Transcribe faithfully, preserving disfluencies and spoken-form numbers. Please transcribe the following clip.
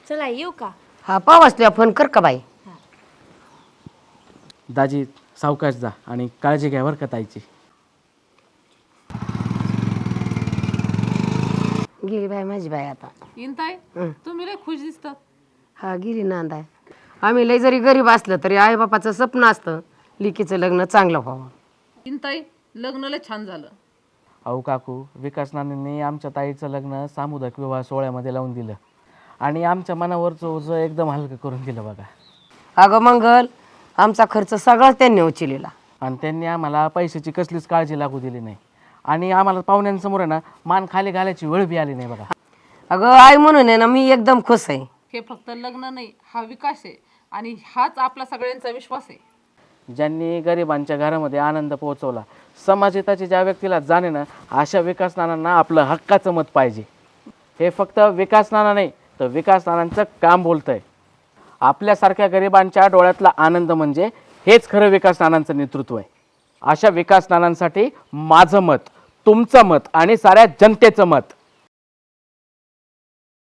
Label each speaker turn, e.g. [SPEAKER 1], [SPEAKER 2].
[SPEAKER 1] चला येऊ का?
[SPEAKER 2] हा पावाच तुला फोन कर का बाई.
[SPEAKER 3] दाजी सावकाश जा आणि काळजी घ्या बरं का ताईची.
[SPEAKER 2] गेली बाई माझी बाई आता.
[SPEAKER 4] इंताय तुम्ही लय खुश दिसतात.
[SPEAKER 2] हा गिरी नांदाय. आम्ही लय जरी गरीब असलं तरी आई बापाचं स्वप्न असतं लिकीचं लग्न चांगलं व्हावं.
[SPEAKER 4] इंताई लग्न लय छान झालं.
[SPEAKER 3] अहो काकू, विकास नानांनी आमच्या ताईचं लग्न सामुदायिक विवाह सोहळ्यामध्ये लावून दिलं आणि आमच्या मनावरचं ओझं एकदम हलकं करून दिलं बघा.
[SPEAKER 2] अगं मंगल, आमचा खर्च सगळाच त्यांनी उचललेला.
[SPEAKER 3] आणि त्यांनी आम्हाला पैशाची कसलीच काळजी लागू दिली नाही आणि आम्हाला पाहुण्यांसमोर आहे ना मान खाली घालायची वेळ बी आली नाही बघा.
[SPEAKER 2] अगं आई म्हणून आहे ना मी एकदम खुश आहे.
[SPEAKER 4] हे फक्त लग्न नाही, हा विकास आहे आणि हाच आपला सगळ्यांचा विश्वास आहे.
[SPEAKER 3] ज्यांनी गरिबांच्या घरामध्ये आनंद पोहोचवला, समाजहिताची ज्या व्यक्तीला जाणे ना, अशा विकास नानांना आपलं हक्काचं मत पाहिजे. हे फक्त विकास नाना नाही तर विकास नानांचं काम बोलतंय. आपल्यासारख्या गरिबांच्या डोळ्यातला आनंद म्हणजे हेच खरं विकास नानांचं नेतृत्व आहे. अशा विकास नानांसाठी माझं मत, तुमचं मत आणि साऱ्या जनतेचं मत.